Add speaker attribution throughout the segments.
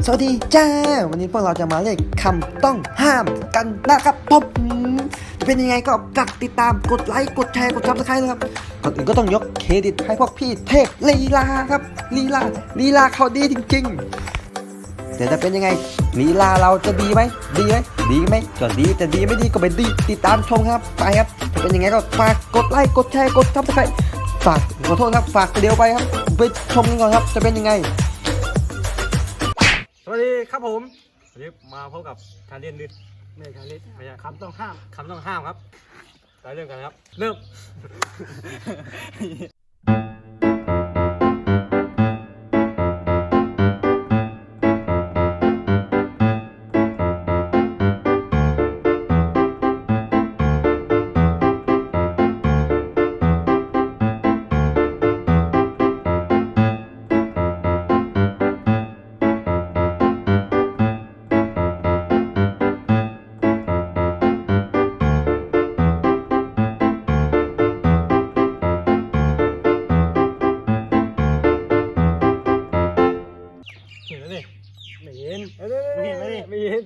Speaker 1: สวัสดีจ้าวันนี้พวกเราจะมาเล่นคำต้องห้ามกันนะครับผมจะเป็นยังไงก็ฝากติดตามกดไลค์กดแชร์กดซับสไครต์นะครับก่อนอื่นก็ต้องยกเครดิตให้พวกพี่เทพลีลาครับลีลาเขาดีจริงๆแต่จะเป็นยังไงลีลาเราจะดีไหมดีไหมก็ดีแต่ดีไม่ดีก็ไม่ดีติดตามชมครับไปครับจะเป็นยังไงก็ฝากกดไลค์กดแชร์กดซับสไครต์ฝากขอโทษครับฝากเดียวไปครับไปชมกันก่อนครับจะเป็นยังไง
Speaker 2: สวัสดีครับผมวันนี้มาพบกับการเรียนดึกไม่ใช่คำต้องห้ามครับไปเริ่มกันครับเริ่ม เห็นแล้วนี่ไม่เห็นไม่เห็น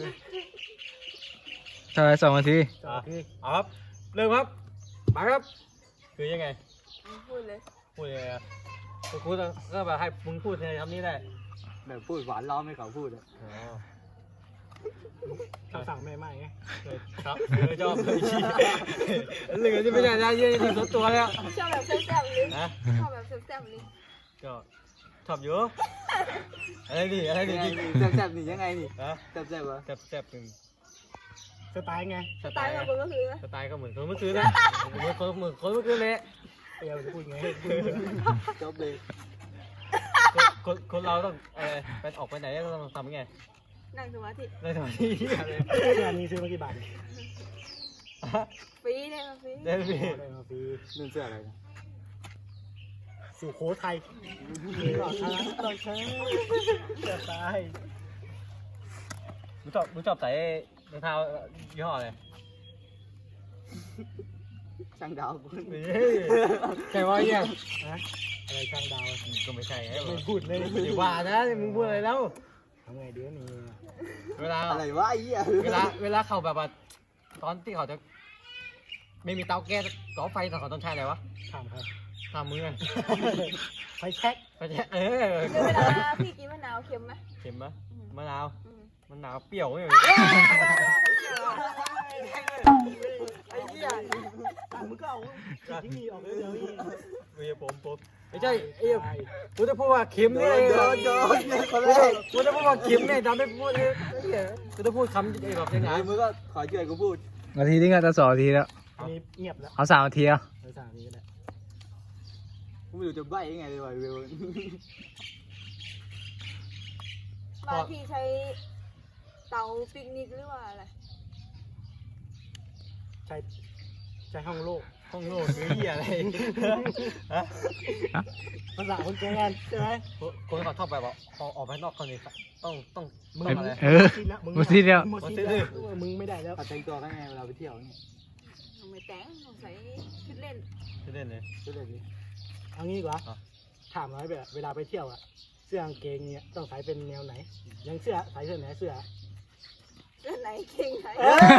Speaker 3: เท่าไหร่2 นาที
Speaker 2: เอาครับเริ่มครับมาครับคือยังไงพูดเลยพูดก็แบบให้มึงพูดในคำนี้ได้
Speaker 4: แบบพูดหวานล้อมให้เขาพูดอะ
Speaker 2: คำสั่งแม่ไม่ไงครับชอบเลยชี้เหลือจะไม่ได้ยืนส่วนตัวแล้ว
Speaker 5: ชอบแบบแซ่บๆเลยชอบแบบแซ่บๆเลย
Speaker 2: ก็ชอบเยอะอะไรดิ
Speaker 4: แซ่บๆนี่ยังไงนี่แซ่บๆวะ
Speaker 2: แซ่บหนึ่งสไตล์ไง
Speaker 5: สไตล์ของคนเมื่อคืน
Speaker 2: สไตล์ก็เหมือนคนเมื่อคืนนะเหมือนคนเมื่อคืนเลยเดี๋ยวพูดไง
Speaker 4: จบเลย
Speaker 2: คนเราต้องไปออกไปไหนต้องทำยังไง
Speaker 5: นั่งสมาธิ
Speaker 2: อะไรงานนี้ซื้อมากี่บาท
Speaker 5: ฟรีได้มาฟรี
Speaker 2: ได้ฟรี
Speaker 4: นึ่งเสื้ออะไรนะ
Speaker 2: สุโขทัยหลอกใช้จะตายมึงชอบใส่รองเท้ายี่ห้ออะไร
Speaker 4: ช่างดาว
Speaker 2: ใช่ว่าเนี่ยอะไรช่างดาวก็ไม่ใช่มึงพูดเลยอย่าว่านะมึงพูดอะไรแล้วทำไงเดี๋ยวนี้เวลา
Speaker 4: อะไรวะไอ้เหี้ย
Speaker 2: เวลาเขาแบบว่าตอนที่เขาจะไม่มีเตาแก๊สก่อไฟแต่เขาต้องใช้อะไรวะทำมือไฟแช็กเว
Speaker 5: ลาพี่กินมะนาวเค็มไหม
Speaker 2: เค็มไหมมะนาวเปรี้ยวไม่เหมือน
Speaker 4: ไอ้เหี้ย
Speaker 2: มึงก็เอาที่นี่ออกเลยผมไม่ใช่กูจะพูดว่าเค็มเนี่ยกูจะพูดว่าเค็มเนี่ยทำไม่พูดเลยกูจะพูดคำแบบยังไง
Speaker 4: มึงก็ขอช่วยกูพูด
Speaker 3: นาทีนึงอะจะ2 นาทีแล้ว
Speaker 2: เงียบแล้ว
Speaker 3: เอา3 นาทีอ่ะ
Speaker 2: 3 นาทีก็ได้
Speaker 4: กูไม่รู้จะใบ้ยังไงเลยวะเวล
Speaker 5: บางทีใช้เตาปิกนิกหรือว่าอะไร
Speaker 2: ใช้ห้องโล่หรือเหี้ยอะไรภาษาคนแก่กันใช่ไหมคนเขาชอบแบบว่าออกไปนอกคนนี้ต้องมึงอะไร
Speaker 3: มึงทีเดียว
Speaker 2: มึงไม่ได้แล้ว
Speaker 4: แต่งตัวไงเวลาไปเที่ยวนี่
Speaker 5: ไม่แต่งใส่ชุดเล่น
Speaker 2: เลย
Speaker 4: ชุดเล่นนี่
Speaker 2: เอางี้ดีกว่าถามน้อยแบบเวลาไปเที่ยวอะเสื้อกางเกงเนี่ยต้องใส่เป็นแนวไหนยังใส่เสื้อไหนเสื้อ
Speaker 5: ไหนเกงไหน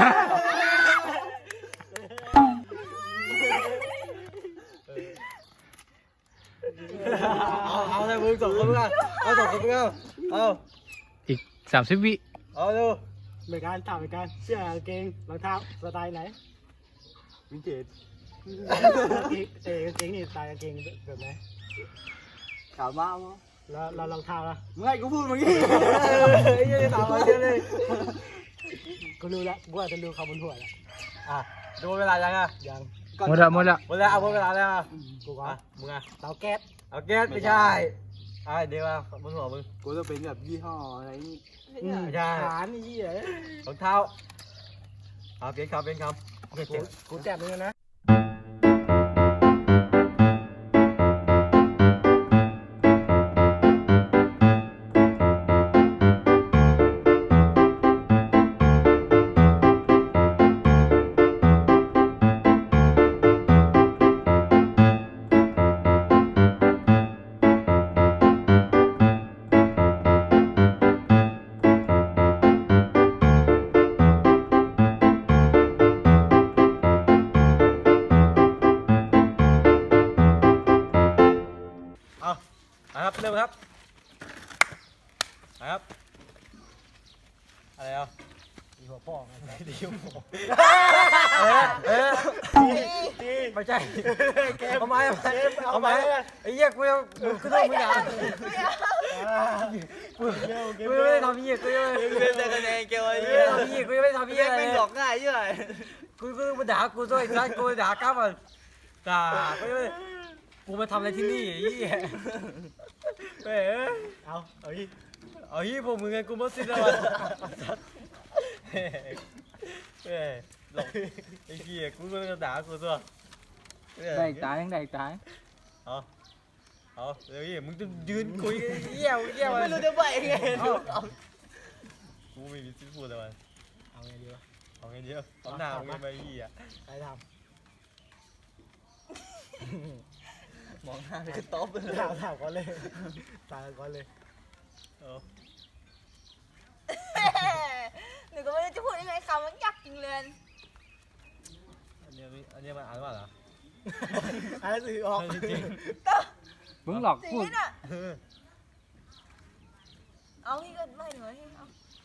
Speaker 2: เอาเลยมึงส่งคนมึงเอาส่งคนมึงเอา
Speaker 3: อีก30 วิ
Speaker 2: เอาดูเหมือนกันถามเหมือนกันเสื้อกางเกงรองเท้าสไตล์ไหน
Speaker 4: วินเทจ
Speaker 2: กางเกงนี่สไตล์กางเกงแบบไหน
Speaker 4: ขาวมากมั้ง
Speaker 2: แล้วรองเท้าล่ะ
Speaker 4: มึงให้กูพูดมึงยี่
Speaker 2: ยังถามอะไรเลยกูรู้แล้วกูอาจจะรู้คำบนหัวแล้วดูเวลายังยัง
Speaker 3: หมดแล้ว
Speaker 2: เอาหมดเวลาแล้วกูก็มึงเตาแก๊สไม่ใช่เดี๋ยวบนหัวมึง
Speaker 4: กูจะเป็นแบบยี่ห้ออะไรนี่
Speaker 2: ใช่ฐานนี่เหรอรองเท้าเปลี่ยนคำกูแจ็บเลยนะครับอะไรอ่ะ
Speaker 4: ดีหัวพ่อไง
Speaker 2: ดีไม่ใช่เอาไม้เอาไม้ไอ้เหี้ยกูต้องมึงด่ากูไม่ได้ทำเหี้ยกูไม่ได้
Speaker 4: คะแนนเกลไอ้
Speaker 2: ทำเหี้ยกูไม่ได้ทำเหี้ยอะไร
Speaker 4: ไม่หลอกง่ายเยอะ
Speaker 2: กูมาด่ากูด้วยร้านกูด่ากล้ามันด่ากูมาทำอะไรที่นี่ไอ้เหี้ยเอายี่พวกมึงไงกูมาสิ้นแล้วหลอกไอ้เหี้ยกูก็ด่ากูตัว
Speaker 3: ได้ตายยังได้ตาย
Speaker 2: เอาเดี๋ยวยี่มึงจะยืนคุยเยี่ยว
Speaker 4: ไม่รู้จะใบไง
Speaker 2: กูไม่มีสิทธิ์พูดเลยมัน
Speaker 4: เอาไงดีวะ
Speaker 2: เอาไงเดียวเอาหน้ามึงไปยี่อ่ะ
Speaker 4: ใครทำมองหน้าคือต๊อปเลยถามก่อนเลยตายก่อนเลย
Speaker 5: หนูก็ไม่รู้จะพูดยังไงคำมันยากจริงเลย
Speaker 2: อันนี้มันอ่านว่าเหรอ
Speaker 4: อะไรสื่อออก
Speaker 2: จริง
Speaker 3: มึงหลอก
Speaker 5: จริ
Speaker 3: พูด
Speaker 5: งน่ะเอานี่ก็ไม่หนูให้เอา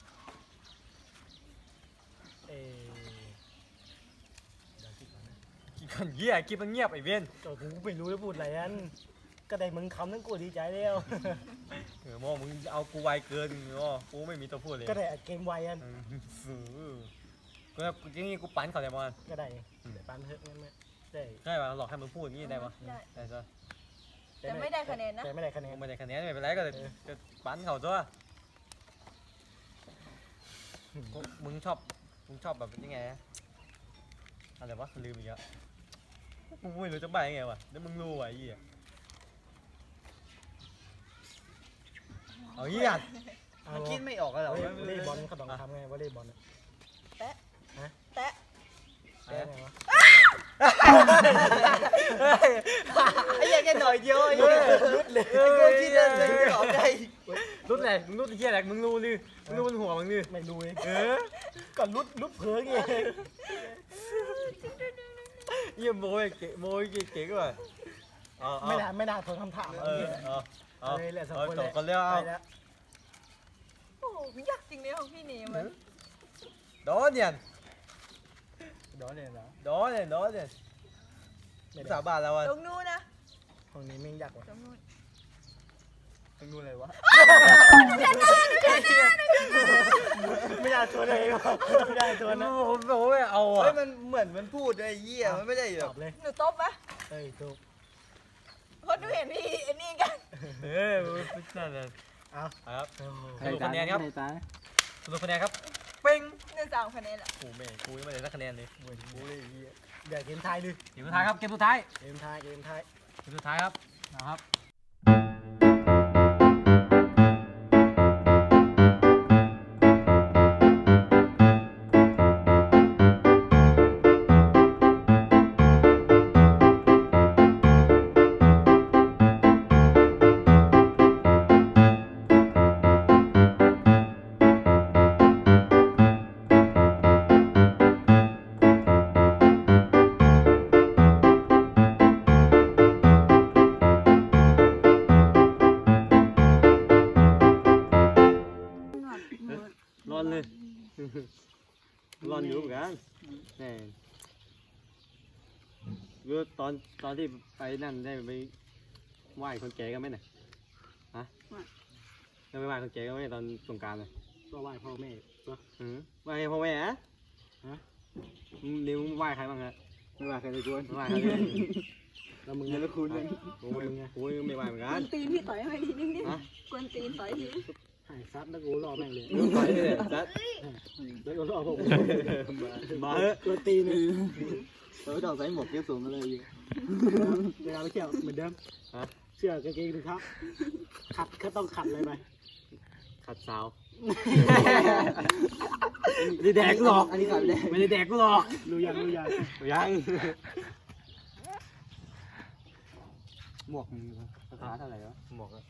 Speaker 2: กี่คนเยี่ยกี่มันเงียบไอ้เวียน
Speaker 4: ก็กูไม่รู้จะพูดอะไรอันก็ได้มึงคำนั้นกูดีใจแล้ว
Speaker 2: โม่มึงเอากูไวเกินกูไม่มีตัวพูดเลย
Speaker 4: ก็ได้เกมไวอัน
Speaker 2: กูจริงๆกูปั่นเขาเลยมัน
Speaker 4: ก็ได้แต่ปันเถอะงั้นได้
Speaker 2: ใช่ป่ะหลอกให้มึงพูดอย่างนี้ได้ปะ
Speaker 5: ได้
Speaker 2: ได้ซะ
Speaker 5: แต่ไม่ได้คะแนนนะ
Speaker 4: แต่ไม่ได้คะแนน
Speaker 2: ไม่ได้คะแนนไม่เป็นไรก็ปั่นเขาตัวมึงชอบแบบยังไงอะไรวะลืมอีกแล้วมึงไม่รู้จะใบยังไงวะเดี๋ยวมึงรู้ไอ้ยี่เอายี่อ่ะ
Speaker 4: มันคิดไม่ออกแล้ววอลเลย์บอลเขาต้องทำไงวอลเลย์บอล
Speaker 5: แตะ
Speaker 4: ได้ไงวะไอ้ยังแค่หน่อยเดียวไอ้รุดเลยไอ้กูคิดอะไรไม่ออกใจ
Speaker 2: รุดไหนมึงรุดไอ้เหี้ยอะไรมึงรู้ลือมึงรู้บนหัวมึงลือ
Speaker 4: ไม่รู้เองก็รุดเผือไง
Speaker 2: เยี่ยมโมยเก๋โมยเก๋ก็แบบ
Speaker 4: ไม่น่าทนคำถาม
Speaker 2: เลยแหละสองคนเรียกเอา
Speaker 5: โอ้โหยากจริงเลยของพี่เนมมัน
Speaker 2: đó nhìn
Speaker 4: ดอเนี่ยเหรอ
Speaker 2: đó nhìn sao bà là
Speaker 5: ตรงนู้นนะ
Speaker 4: ห้องนี้ไม่ยากกว่า
Speaker 5: ตรงนู้น
Speaker 4: ตรงนู้นเลยวะไม่น่าชวนเลยไม่น่าชวนนะ
Speaker 2: ôi ầu
Speaker 4: เฮ้ย
Speaker 2: à
Speaker 4: มันเหมือนมันพูดไอ้เหี้ยมันไม่ได้แบ
Speaker 2: ต
Speaker 4: บ
Speaker 2: อบเลย
Speaker 5: หนูตบปะ
Speaker 4: เฮ้ยถูก
Speaker 5: เพราะหนูเห็นพี่ไอ้นี่กัน
Speaker 2: เฮ้ยไม่ใช่เลย
Speaker 4: เอา
Speaker 2: ครับ
Speaker 3: ได้ตายได้ตาย
Speaker 2: สรุปคะแนนครับเป้ง
Speaker 5: หนู3คะแนนละ
Speaker 2: โอ้แม่กูยังไม่ได้สักคะแนนเลย
Speaker 4: เหมือนกูเลยไอ้เหี้ยเดี๋ยวเกมไทยดิ
Speaker 2: เกมสุดท้ายครับเกมสุดท้าย
Speaker 4: เกมไทย
Speaker 2: เกมสุดท้ายครับนะครับ ร้อนเลยร้อนอยู่เหมือนกันแน่รู้ตอนที่ไปนั่นได้ไปไหว้คนแก่กันไหมเนี่ยฮะได้ไปไหว้คนแก่กันไหมตอนสงกรานต์เลย
Speaker 4: ก็ไหว้พ่อแม่ก็
Speaker 2: ไหว้พ่อแม่ฮะ
Speaker 4: ฮะ
Speaker 2: นิ้วไหว้ใครบ้างฮะ
Speaker 4: ไม่ไหว้ใครเลยชวน
Speaker 2: ไหว้ใครเลย
Speaker 4: แล้วมึงยังไม่คุ้นเลย
Speaker 2: กูไม่ไหว้เหมือนกัน
Speaker 5: ตีนพี่ต่อยให้ทีนึงดิ
Speaker 2: ฮะ
Speaker 5: กวนตีนต่อยที
Speaker 4: หายซัดแล้วกูรอแม่งเลย
Speaker 2: ไปเลยจัด
Speaker 4: แล้วก็รอผม
Speaker 2: มาเถอะ
Speaker 4: ตัวตีนึงเราต้องใส่หมวกเก็บสูงกันเลยเวลาไปเที่ยวเหมือนเดิมเสื้อกางเกงถุงเท้าขัดก็ต้องขัดเลยไป
Speaker 2: ขัดสาวไม่ได้แดกหรอก
Speaker 4: อันนี้ขัดไม่ได้
Speaker 2: ไม่ได้แดกหรอก
Speaker 4: รู้ยัง
Speaker 2: ยัง
Speaker 4: หมวกมึงราคาเท่าไหร่วะ
Speaker 2: หมอก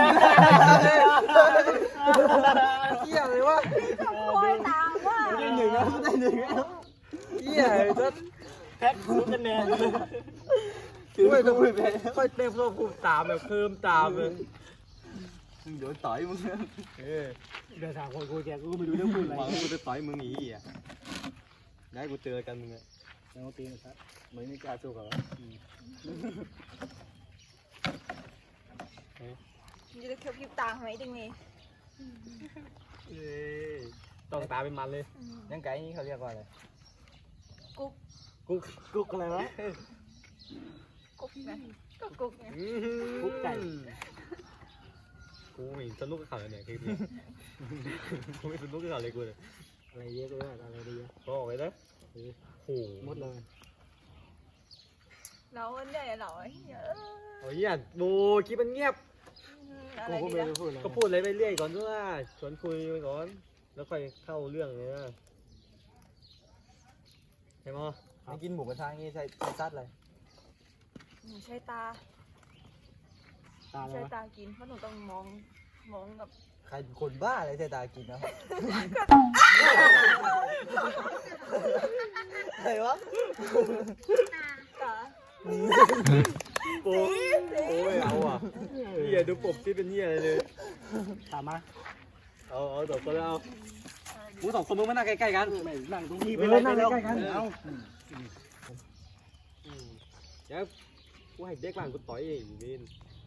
Speaker 2: เหี้ยเลยวะ
Speaker 5: โอยตามว่า
Speaker 4: ได้หนึ่งแล้วได้หนึ่งแล้ว
Speaker 2: เหี้ยจัด
Speaker 4: แพ็คคูคะแนน
Speaker 2: ไม่ต้องพูดไปค่อยเต็มโลกภูมิตามแบบเพิ่มตามเลย
Speaker 4: โดนต่อยมึง
Speaker 2: เดินทางคนกูแกกูก็ไม่รู้เรื่องพูดอะไร
Speaker 4: หวังกูจะต่อยมึงอีอ่ะได้กูเจอกันมึงอ่ะ
Speaker 2: แล้วตีนะครับเหมือนไม่กล้าสู้กับวะ
Speaker 5: มึงจะเคี้ยวพริบตาไหมดึงนี่
Speaker 2: ต้องตาเป็นมันเลย
Speaker 3: ยังไก่นี่เขาเรียกว่าอะไร
Speaker 5: กุ๊ก
Speaker 2: กุ๊กอะไรวะ
Speaker 5: กุ๊กนะก็กุ๊กไง
Speaker 2: กุ๊กไก่
Speaker 4: กูไม่สนุกกับเขาเลยเนี่ยคลิปนี้กูไม่สนุกกับเขาเลยกูเลย
Speaker 2: อะไรเยอะเลยอะไรเยอะ
Speaker 4: บอกไว้นะโอ้โห
Speaker 2: หมดเลย
Speaker 5: เราเนี่ยเราเยอะ
Speaker 4: โอ้ยอ่ะโบคลิปมันเงียบ
Speaker 5: อะไร
Speaker 2: กูก็
Speaker 5: ดี
Speaker 2: ไม่
Speaker 5: ล่ะ
Speaker 2: รู้พูดอะไร
Speaker 4: ก็พูดอะไรไปเรื่อยก่อนด้วยชวนคุยไปก่อน แล้วค่อยเข้าเรื่องเลยนะใช่ไหม
Speaker 3: ไม่กินหมูกระทะงี้ใส่ซัดเลย
Speaker 5: หนูใช้ตา
Speaker 2: ตาอะไร
Speaker 5: ใช้
Speaker 2: วะ
Speaker 5: ตากินเพราะหนูต้องมองกับ
Speaker 3: ใครคนบ้าอะไรใส่ตากินนะครับอะไรวะ
Speaker 5: ตา
Speaker 4: โอ้ยเอาอ่ะเฮียดูปบที่เป็นเฮียอะไรเลย
Speaker 2: ตามมา
Speaker 4: เอาต่อคนแล้วกูสองคนมึงมานั่งใกล้ๆกัน
Speaker 2: ไม่นั่งตรงนี้ไปเลยนั่งใกล้กันเอา
Speaker 4: เดี๋ยวกูให้เด็กบ้านกูต่อยเองอยู่นี่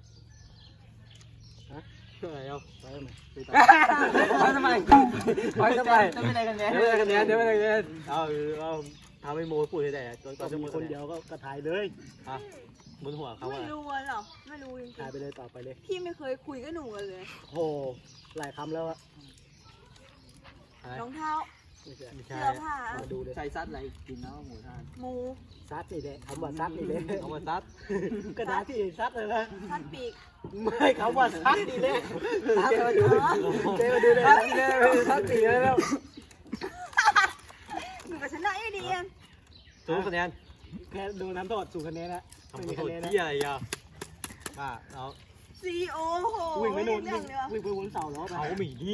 Speaker 4: ฮะอะไรเอา
Speaker 2: ไปไหมไปตา
Speaker 4: ทำไม
Speaker 3: จะไม่ได้กันแน่
Speaker 4: เดี๋ยวไม่ได้คะแนนเดี๋ยวไม่ได้คะแนนเอาทำให้โมพูดให้ได้ตอน
Speaker 2: ก็
Speaker 4: จะ
Speaker 2: มี
Speaker 4: พูด
Speaker 2: คนเดียวก็ถ่ายเลย
Speaker 4: อ่ะบนหัวเขา
Speaker 5: ไม่
Speaker 4: อ่ะ
Speaker 5: รู้หรอกไม่รู้จริง
Speaker 2: ถ่ายไปเลยต่อไปเลย
Speaker 5: ๆพี่ไม่เคยคุยกับหนูกันเลย
Speaker 2: โหหลายคำแล้วอะ
Speaker 5: รองเท้า
Speaker 2: ไม่ใช่
Speaker 4: ไม่ใช่
Speaker 5: เสื้อผ้า
Speaker 2: มาดูเลย
Speaker 3: ใส่ซัดอะไรกินแล้วหมูทาน
Speaker 5: หมู
Speaker 2: ซัดนี่แหละคำว่าซัดนี่แหละ
Speaker 4: เอามาซัด
Speaker 2: กระดาษที่ซัดเลยนะ
Speaker 5: ทัดปีก
Speaker 2: ไม่คำว่าซัดนี่แหละซัดมาดู
Speaker 5: อ๋อ
Speaker 2: เจ๊มาดูเลย
Speaker 4: ซัดอีกแล้วซัดอีกแล้ว
Speaker 5: หนูกับชนะอยู่ดีเอง
Speaker 4: สูงคะแนน
Speaker 2: แค่ดูน้ำโทษสู่คะแนนละ
Speaker 4: ทำ
Speaker 2: ไม่
Speaker 4: โท
Speaker 2: มี
Speaker 4: ษ
Speaker 2: คะแนนนะ
Speaker 4: ที่อะไรอ่ะมาเอา
Speaker 5: ซีโอโห
Speaker 2: วิ่งไปนู่น
Speaker 5: เรื่องเดียว
Speaker 2: วิ่งไปบนเสาแล้ว
Speaker 4: เอาหมีดี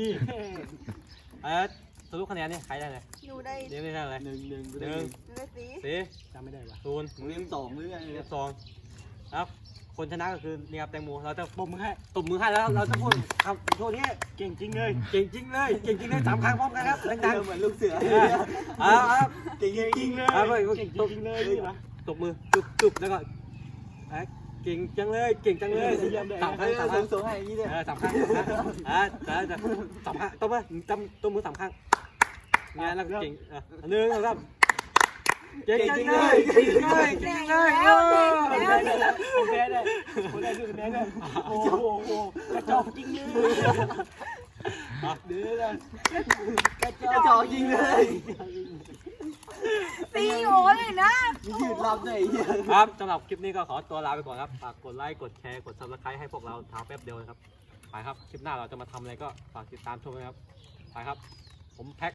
Speaker 4: สรุปคะแนนเนี่ยใครได้เลย
Speaker 5: หนูได้
Speaker 4: เดี๋ยวไม่ได้เลย
Speaker 3: หนึ่ง
Speaker 5: หนูได้สี
Speaker 4: สี่
Speaker 2: จำไม่ได้ว่ะ
Speaker 4: ศูนย์
Speaker 3: มึงยังสองหรือไง
Speaker 4: เรียบสองครับคนชนะก็คือนี่ครับแตงโมเราจะ
Speaker 2: ปมมือให้
Speaker 4: ตบมือให้แล้วเราจะพูดคำโทษนี้
Speaker 2: เก่งจริงเลย
Speaker 4: เก่งจริงเลยเก่งจริงเลยสามครั้งพร้อมกันครับดัง
Speaker 3: เหมือนลูกเสือ
Speaker 4: ๆเอาครับ
Speaker 2: เก่งจริงเลย
Speaker 4: เอาไป
Speaker 2: เก่งจริงเลยนี่วะ
Speaker 4: ตบมือจุบแล้วก็เก่งจังเลยเก่งจังเลยสามครั้งสามครั้ง
Speaker 3: สูงให้อย่างนี้เลย
Speaker 4: สามครั้งจะสามครั้งตบมือตบมือสามครั้งเนี่ยแล้วเก่งหนึ่งสองเก่งจังเลยเก่งจังเลยเก่งจังเลย
Speaker 2: ผมแพ้เลยผมได้ดูคะแนนเลยโอ้โหกระจอกจริงเลย
Speaker 4: เดือด
Speaker 3: กระจอกยิงเลย
Speaker 5: ซีโอเลยนะ
Speaker 3: ยืดรับได้เหี้ย
Speaker 4: ครับสำหรับคลิปนี้ก็ขอตัวลาไปก่อนครับฝากกดไลค์กดแชร์กด subscribe ให้พวกเราทางแป๊บเดียวนะครับไปครับคลิปหน้าเราจะมาทำอะไรก็ฝากติดตามชมนะครับไปครับผมแพ็ค